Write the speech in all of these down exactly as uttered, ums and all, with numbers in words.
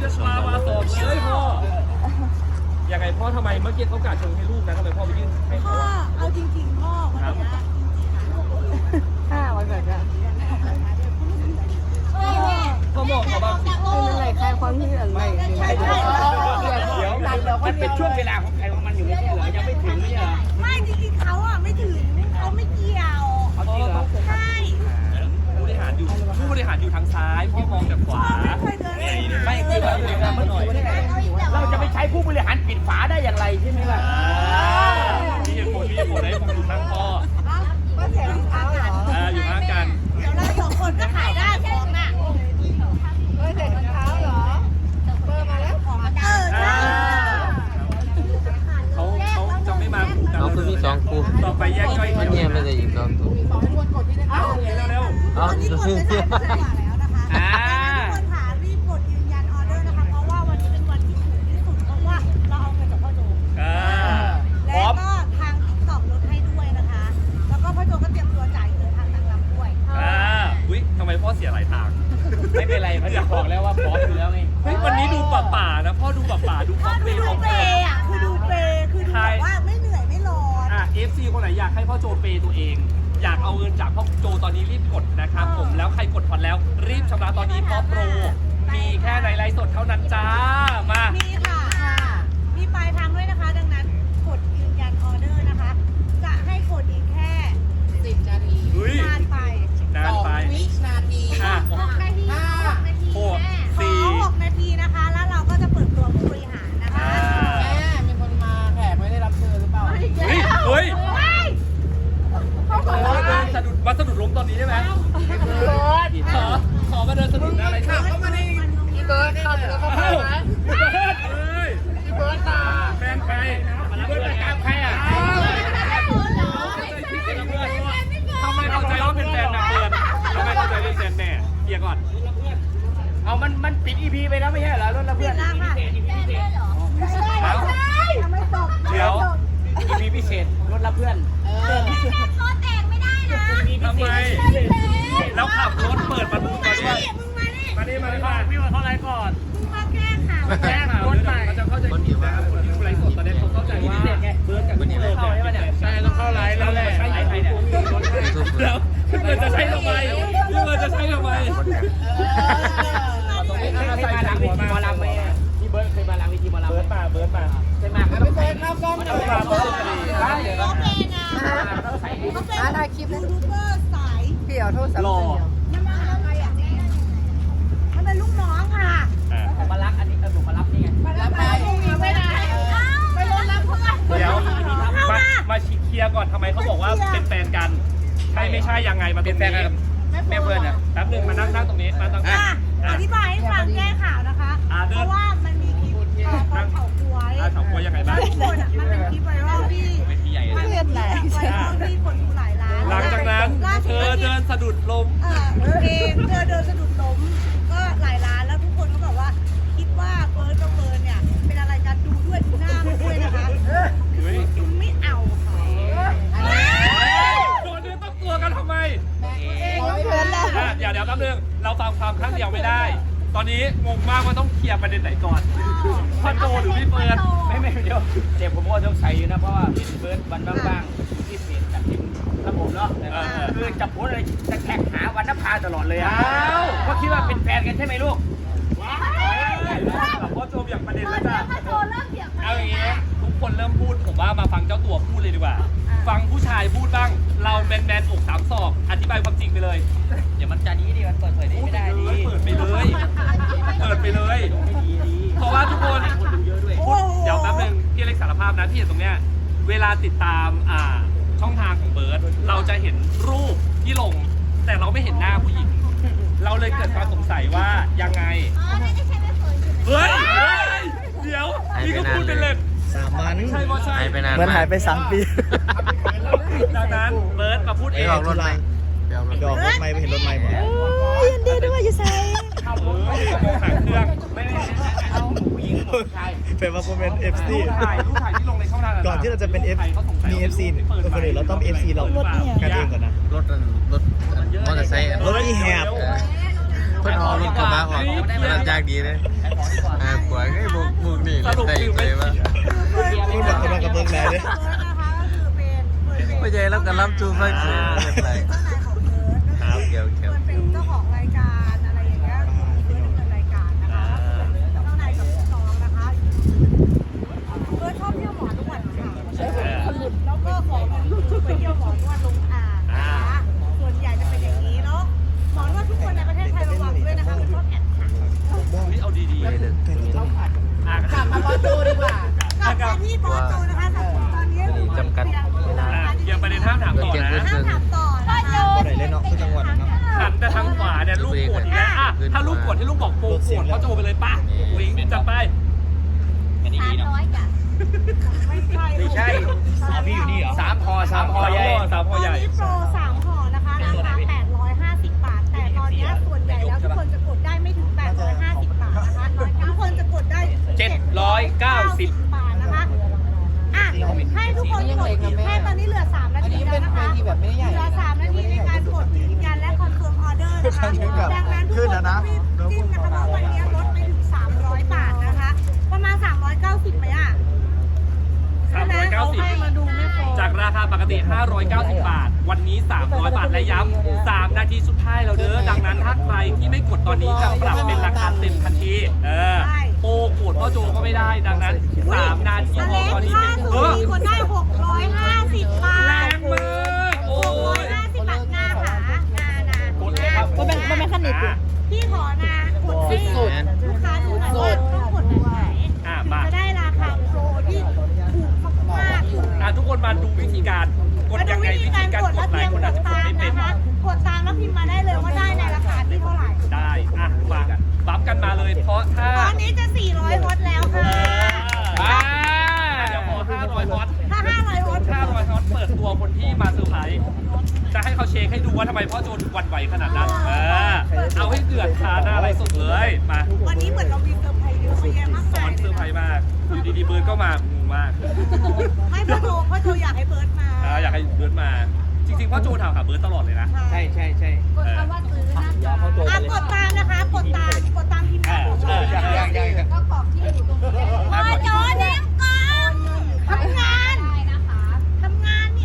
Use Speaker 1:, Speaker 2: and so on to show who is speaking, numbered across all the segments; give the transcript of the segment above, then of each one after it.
Speaker 1: จะชามาสอบเลยพ่อยังไงพ่อทำไมเมื่อกี้เขากาชงให้ลูกนะทำไมพ่อไปยื่นให้
Speaker 2: พ่
Speaker 1: เขา
Speaker 2: อเอาจริงๆพ่อวันนี้
Speaker 3: ห้าวันเกิดอะ
Speaker 1: พ่อบอกเขาบ้างสิ
Speaker 3: ไม่เป็นไรคลายความคิดอะไรไม่ไม่
Speaker 1: เดี๋ยว
Speaker 4: มันเป็นช่วงเวลาของใครของมันอยู่ไม่ใช่เหรอยังไม่ถึงไม่ใช่เหรอ
Speaker 2: ไม่จริงๆเขาอ่ะไม่ถึงเขาไม่เกี่ยว
Speaker 4: เขาจริงเหรอ
Speaker 2: ใช่
Speaker 1: ผู้บริหารอยู่ผู้บริหารอยู่ทางซ้ายพ่อมองจากขวา
Speaker 2: เคยเดิน
Speaker 4: ไม่คือเราอยู่ในมันหน่อยเราจะไปใช้ผู้บริหารปิดฝาได้อย่างไรใช่ไหมล่ะ
Speaker 1: มีเหตุผลมีเหตุผลให้ผมดูทางพ่อ
Speaker 2: ก็เสียรองเท้าเหรอ
Speaker 1: อ่าอยู่ข้างกัน
Speaker 2: เดี๋ยวเราสองคนก็ขายได้ของน่ะเฮ้ยเด็กรองเท้าเหรอเบอร์มาแล้วของเออใช่
Speaker 1: เขาเขาจะไม่มาคู่กัน
Speaker 5: เอาคือมีสองคู่
Speaker 1: ต่อไปแยกย่อย
Speaker 5: มันเนี่ยไม่ได้ยิงสองตัว
Speaker 1: เอ้าเร็ว
Speaker 5: เอา
Speaker 2: ตอนนี้กดไปสามสิบกว่าแล้วนะคะ ทุกคนค่ะรีบกดยืนยันออเดอร์นะคะเพราะว่าวันนี้เป็นวันที่ถูกที่สุดเพราะว่าเราเอาเงินจากพ่อโจ
Speaker 1: ๆอ่า
Speaker 2: และก็ทางติ๊กต็อกลดให้ด้วยนะคะ แล้วก็พ่อโจก็เตรียมตัวจ่ายเงินทางนางรำด้วย
Speaker 1: อ่าอุ้ยทำไมพ่อเสียหลายทาง
Speaker 4: ไม่เป็นไรเขาจะบอกแล้วว่าพร้อมอยู่แล้วไง
Speaker 1: เฮ้ยวันนี้ดูป่าป่าๆนะพ่อดูป่าป่าๆดูค
Speaker 2: พ่
Speaker 1: อ
Speaker 2: อ
Speaker 1: มเม
Speaker 2: ดู
Speaker 1: นต์ของ
Speaker 2: เป
Speaker 1: พ่อ
Speaker 2: ย์อ่ะคือดูเปย์คือดูแบบว่าไม่เหนื่อยไม่ร้อน
Speaker 1: อ่ะ เอฟ ซี คนไหนอยากให้พ่อโจเปย์ตัวเอง อยากเอาเงินจากพ่อโจตอนนี้รีบกดนะครับผมแล้วใครกดผ่อนแล้ว รีบชำระตอนนี้เพราะโปร มีแค่ในไลฟ์สดเท่านั้นจ้ามา
Speaker 2: มีค่ะ มีปลายทางด้วยนะคะ ดังนั้นกดยืนยันออเดอร์นะคะ จะให้กดอีกแค่สิบนาที
Speaker 1: เฮ้ย
Speaker 2: นานไป
Speaker 1: นานไป
Speaker 2: วินาที
Speaker 1: อ่ะ
Speaker 2: หกนาทีหกนาที
Speaker 1: หก
Speaker 2: ข
Speaker 1: สี่
Speaker 2: อหกนาทีนะคะ แล้วเราก็จะเปิดตัวผู้บริหารนะคะ
Speaker 1: อ่า
Speaker 4: มีคนมาแขกไม่ได้รับเชิญหรือเปล่า
Speaker 1: เฮ้ยเฮ้ย
Speaker 2: เฮ้ย
Speaker 1: ขอเดินสะดุดมาสะดุดล้มตอนนี้ได้ไหมขอขอมาเดินสะดุดอะไรครับ
Speaker 3: พี่เบิร์ดเข้าเข้าไปไหม
Speaker 1: พี่เบิร์ดเฮ้ย
Speaker 3: พี่เบิร์ดตา
Speaker 1: แฟนใคร
Speaker 4: เพื่อนประจำใครอ่ะ
Speaker 1: ทำไมเข้าใจว่าเป็นแฟนนะเพื่อนทำไมเข้าใจเป็นแฟนแม่เคลียร์ก่อน
Speaker 4: เอามันมันปิดอีพีไปแล้วไม่ใช่เหรอรถละเพื่อน
Speaker 2: ปิดแล้วค่ะ
Speaker 1: เอ้า
Speaker 2: ยังไม่จบ
Speaker 1: เดี๋ยว
Speaker 4: อีพีพิเศษรถละเพื่อน
Speaker 2: คอแตกไม่ได้นะ
Speaker 1: ทำไมแล้วขับรถเปิดประตูมาด้วย
Speaker 2: มึงมาดิ
Speaker 1: มาดิมาดิมาพี่มาเข้าไลฟ์ก่อน
Speaker 2: มึงมาแก้ข่าว
Speaker 1: แจ้งข่าวเขาจะเข้าใจผิดนะครับคนที่ดูไลฟ์สดตอนนี้เขาเข้าใจว่าเบิร์ดกับพี่เบิร์ดเนี่ยใช่ต้องเข้าไลฟ์แล้วแหละใช่ใครเนี่ยแล้วพี่เบิร์ดจะใช้ทำไมพี่เบิร์ดจะใช้ทำไม
Speaker 4: เคยมาหลังเวทีหมอลำไหมพี่เบิร์ดเคยมาหลังเวทีหมอลำ
Speaker 1: เบิร์ดมาเบิร์ดมา
Speaker 4: เคยมาครับพี่เบิร์ดครับกล้อง
Speaker 1: เบิร์ดมาเบิร์ดมาดี
Speaker 2: โอเคนะเขาเป็นยูทูบเบอร์สาย
Speaker 3: พี่เอาโทษสาม
Speaker 1: หล่อ
Speaker 2: มันมาอะไรอ่ะมันเป็นลูกน้องค่ะ
Speaker 4: ผมมารักอันนี้เออผมมารับนี่ไง
Speaker 2: มาแล้วมาพรุ่งนี้ไม่ได้ไปรถรับเพื่อน
Speaker 1: เดี๋ยวมามาเคลียร์ก่อนทำไมเขาบอกว่าเป็นแฟนกันใช่ไม่ใช่ยังไงมาเป็นแฟนกัน
Speaker 4: แม่เบิร์ดอ่ะ
Speaker 1: แป๊บนึงมานั่งนั่งตรงนี้มาตั้ง
Speaker 2: อ่ะอธิบายให้ฟังแก้ข่าวนะคะ เพราะว่ามันมีคลิปเอ่อตอนเผาควาย
Speaker 1: อ่าสองคนยังไงบ้าง
Speaker 2: ทุกคนอ่ะมันเป็นคลิปไวรัลที่
Speaker 1: เวทีใหญ่
Speaker 2: มันเป็นคลิปไวรัลที่คนดูหลายล้าน
Speaker 1: หลังจากนั้น
Speaker 2: ล่า
Speaker 1: เธ
Speaker 2: สุ
Speaker 1: อ
Speaker 2: ก็ที่
Speaker 1: เดินสะดุดล้ม
Speaker 2: เออเองเธอเดินสะดุดล้มก็หลายล้านแล้วทุกคนก็บอกว่าคิดว่าเฟิร์สกับเฟิร์นเนี่ยเป็นอะไรกันดูด้วยดูหน้ามันด้วยนะคะคือไม่เอาค่ะ
Speaker 1: โดนเนื้อต้องตัวกันทำไม
Speaker 2: น้องเฟิร์นแล้ว
Speaker 1: อ่ะเดี๋ยวเดี๋ยวแป๊บนึงเราฟังความข้างเดียวไม่ได้ ตอนนี้งงมากว่าต้องเคลียร์ประเด็นไหนก่อนพ่อโจหรือพี่เฟิร์น
Speaker 4: ไม่ไม่เดี๋ยวเดี๋ยวผมก็ต้องใส่อยู่นะเพราะว่าเป็นเบิร์ดวันบ้างๆที่เปลี่ยนจากทีมระบบเนาะคือจับโพสอะไรจะแท็กหาวันนภาตลอดเลยอ่ะเพราะคิดว่าเป็นแฟนกันใช่ไหมลูก
Speaker 1: พ่อโจอย่างประเด็นแล้วจ้ะ
Speaker 2: ถ้าโจเริ่มเถียง
Speaker 1: เอาอย่างงี้ทุกคนเริ่มพูดผมว่ามาฟังเจ้าตัวพูดเลยดีกว่า ฟังผู้ชายพูดบ้าง เราแมนแมนอกสามศอกอธิบายความจริงไปเลย
Speaker 4: เดี๋ยวมันจะนี้ดิมันเปิดเผยได้ไม่ได้ดิ
Speaker 1: เปิดไปเลย เปิดไปเลย เพราะว่าทุกคนพูดเดี๋ยวแป๊บนึงพี่เล็กสารภาพนะที่เห็นตรงเนี้ยเวลาติดตามอ่าช่องทางของเบิร์ดเราจะเห็นรูปที่ลง แต่เราไม่เห็นหน้าผู้หญิง เราเลยเกิดความสงสัยว่ายังไง
Speaker 2: อ๋อนี่จะใช้ไม่เฟิร์น
Speaker 1: เฮ้ยเฮ้ยเดี๋ยวนี่ก็พูดเป็นเล่น
Speaker 5: สามวัน
Speaker 1: ใช่ก็ใช่
Speaker 5: หายไปนาน
Speaker 6: เหมือนหายไปสามปี
Speaker 1: ดังนั้นเบิร์ดมาพูดเอ
Speaker 5: ไอ้
Speaker 1: ง
Speaker 5: ออกรถไหมไปออกรถ
Speaker 6: ดอกรถไม่ไปเห็นรถไม่บ่
Speaker 3: ยินดีด้วยอยู่ใส่
Speaker 1: เออหางเครื่อง
Speaker 4: ไม่ไม่เอาผู้หญิงผู้ชาย
Speaker 6: เป็นว่าผมเป็น เอฟ ซี
Speaker 1: รูปถ่ายรูปถ่ายที่ลงในช่องทาง
Speaker 6: ก่อนที่เราจะเป็น F มี เอฟ ซี คนอื่นเราต้อง เอฟ ซี เรากันเองก่อนนะ
Speaker 5: รถรถมอเตอร์ไซค์
Speaker 6: รถที่แหบ
Speaker 5: เออเพิ่นเอารถกระบะออกมันยากดีเลยอ่ากว่าไอ้บุกบุกนี่เล่นได้อีกเลยว่า
Speaker 6: พูดแบบกำลังกับเบิ้งแล้วเลย
Speaker 2: เบิร์ดนะคะก็คือเป็นเบิร์ดเป็น
Speaker 5: ไม่ใช่แล้วก็รับจูฟังเสียงอะไร
Speaker 2: เจ้านายของเบิร์ดก็
Speaker 5: ครับ
Speaker 2: คือ
Speaker 5: เกี่ยวเกี่ยว
Speaker 2: เบิร์ดเป็นเจ้าของรายการอะไรอย่างเงี้ยเบิร์ดดำเนินรายการนะคะเจ้านายกับลูกน้องนะคะเบิร์ดชอบเที่ยวหมอนวดค่ะแล้วก็ขอเงินคือไปเที่ยวหมอนวดลงอ่างนะคะส่วนใหญ่จะเป็นอย่างนี้เนาะหมอนวดทุกคนในประเทศไทยระวังด้วยนะคะชอบแอบถ่าย
Speaker 1: นี่เอาดีๆ
Speaker 5: ไม่เลิก
Speaker 1: อ่ะ
Speaker 3: กลับมาบอลตูดีกว่า
Speaker 2: กลับมาที่บอลตูนะคะแต่ตอนนี้
Speaker 5: จำกัดเวลา
Speaker 1: อ่ะยังประเด็นห้ามถามต่อนะ
Speaker 2: ห้ามถามต่อนะคะ
Speaker 6: ก็ไหนเล่นเนาะทุกจังหวัดนะครับ
Speaker 1: หันแต่ทางขวาเนี่ยลูกกดอีกแล้วอ่ะถ้าลูกกดให้ลูกบอกโปรกดเขาโจไปเลยป่ะวิงจัดไป
Speaker 4: อันนี้ดีเนาะ
Speaker 2: ไม่ใช่
Speaker 4: ไม่ใช่พี่อยู่นี่เหรอสามพอสามพอใหญ่
Speaker 1: สามพ
Speaker 2: ต
Speaker 1: อ
Speaker 2: อน
Speaker 1: ใหญ่
Speaker 2: นี้โปรสามห่อนะคะราคาแปดร้อยห้าสิบบาท แต่ตอนนี้ส่วนใหญ่แล้วทุกคนจะกดได้ไม่ถึงแปดร้อยห้าสิบบาทนะคะทุกคนจะกดได้
Speaker 1: เจ็ดร้อยเก้าสิบ
Speaker 2: บาทนะคะอ่ะให้ทุกคนกดแค่ตอนนี้เหลือสามนาทีแล้วนะคะเหลือสามนาทีในการกดยืนยันและคอนเฟิร์มออเดอร์นะคะดังนั้นทุกคนต้องรีบจิ้มนะคะเพราะวันนี้ลดไปถึงสามร้อยบาทนะคะ ประมาณสามร้อยเก้าสิบไหมอ่ะ
Speaker 1: สามร้อยเก้าสิบ
Speaker 2: ให้มาดูไม่พอ
Speaker 1: จากราคาปกติ ห้าร้อยเก้าสิบ บาท วันนี้ สามร้อย บาท และย้ำ สาม นาทีสุดท้ายแล้วเด้อ ดังนั้นถ้าใครที่ไม่กดตอนนี้จะปรับเป็นราคาเต็มทันที เออ โปรโกดพ่อโจก็ไม่ได้ ดังนั้น สาม นาที
Speaker 2: อ
Speaker 1: พอ
Speaker 2: เล็ก
Speaker 1: ตอนนี้
Speaker 2: ค่า
Speaker 1: เป็น
Speaker 2: สู
Speaker 1: เออ
Speaker 2: มีคนได้หกร้อยห้าสิบบา
Speaker 1: แร
Speaker 2: ท
Speaker 1: งมากโอ้
Speaker 2: หกร้อย
Speaker 1: ย
Speaker 2: ห้าสิบบาทหน้าขาหน้านะ
Speaker 1: กดเลยครับ
Speaker 3: มันเป็นมันเป็นขนิด
Speaker 1: อ่ะ
Speaker 2: พี่ขอนะกดให้ลูกค้าดูหน่อยว่าต้องกดแบบไหน
Speaker 1: อ่ะ
Speaker 2: ถึง
Speaker 1: มา
Speaker 2: จะได้ราคาโปรที่ถูกมากๆเลย
Speaker 1: อ่ะทุกคนมาดูวิธีการ กด
Speaker 2: มาดู
Speaker 1: ยังไง
Speaker 2: วิธี
Speaker 1: วิธี
Speaker 2: การ
Speaker 1: การ
Speaker 2: กด
Speaker 1: ก
Speaker 2: แล้ว
Speaker 1: ด
Speaker 2: เต
Speaker 1: ห
Speaker 2: รี
Speaker 1: ลาย
Speaker 2: ยม
Speaker 1: คน
Speaker 2: ก
Speaker 1: อาจ
Speaker 2: ด
Speaker 1: จะกด
Speaker 2: ตาม
Speaker 1: ไม่เป็น
Speaker 2: นะคะ กดตามแล้วพิมพ์มาได้เลยว่าได้ในราคาที่เท่าไหร่
Speaker 1: ได้อ่ะมาบัฟกันมาเลย เพราะถ้า
Speaker 2: ตอนนี้จะสี่ร้อยฮอตแล้วค่ะ
Speaker 1: อ่าเดี๋ยวพอห้าร้อยฮอต
Speaker 2: ถ้าห้าร้อยฮอต
Speaker 1: ห้าร้อยฮอตเปิดตัวคนที่มาเซอร์ไพรส์จะให้เขาเช็คให้ดูว่าทำไมพ่อโจถึงหวั่นไหวขนาดนั้น เออ เอาให้เดือดคาหน้าอะไรสดเลย มา
Speaker 2: วันนี้เหมือนเรามีเซอร์ไพรส์เยอะแยะมาก
Speaker 1: สอ
Speaker 2: มาย
Speaker 1: นเซอร์ไพรส์มาก อยู่ดีๆเบิร์ดก็มางงมาก
Speaker 2: ไม่พ่อโจพ่อโจอยากให้เบิร์ดมา
Speaker 1: อ่าอยากให้เบิร์ดมา จริงๆพ่อโจถามหาเบิร์ดตลอดเลยนะ
Speaker 4: ใช่ใช่ใช่
Speaker 1: เออ
Speaker 2: อ่ะกดตามนะคะ กดตาม กดตามพิมพ์
Speaker 1: เออเออ
Speaker 4: ยังยังยัง
Speaker 2: พ่อโจเลี้ยงก่อนทำงานทำงานเนี่ย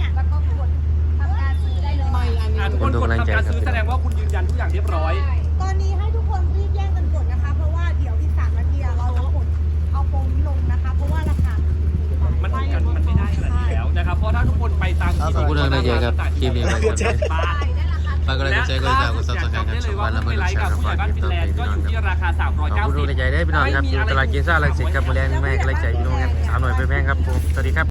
Speaker 1: อ่ะทุกคนกดทำการซื้อแสดงว่าคุณยืนยันทุกอย่างเรียบร้อย
Speaker 2: ตอนนี้ให้ทุกคนรีบแย่งกันกดนะคะ เพราะว่าเดี๋ยวอีกสามนาทีอะเราจะกดเอาโปรนี้ลงนะคะ เพราะว่าราคา
Speaker 1: มันกันมันไม่ได้ขนาดนี้แล้วนะครับ เพราะถ้าทุกคนไปตาม
Speaker 5: ขอบคุณเลยนะเจ๊ครับคลิปนี้ไปก่อนเลย
Speaker 1: บ้าน
Speaker 5: ฝากกดไลค์กดแชร์กดติดตามกดซับสไครต์ครับช่องวันละเมื่อไรครับฝากติดตามพี่น้องครับ
Speaker 1: ราคาสามร้อย
Speaker 5: ขอบ
Speaker 1: เก้า
Speaker 5: คุณ
Speaker 1: สิ
Speaker 5: ดู
Speaker 1: บ
Speaker 5: ในใจได้พี่น้องครับอยู่ตลาดกินซ่าลังสิตครับโมเดลแม่กระไรใจพี่น้องครับสาวหน่อยไปแพงครับผมสวัสดีครับ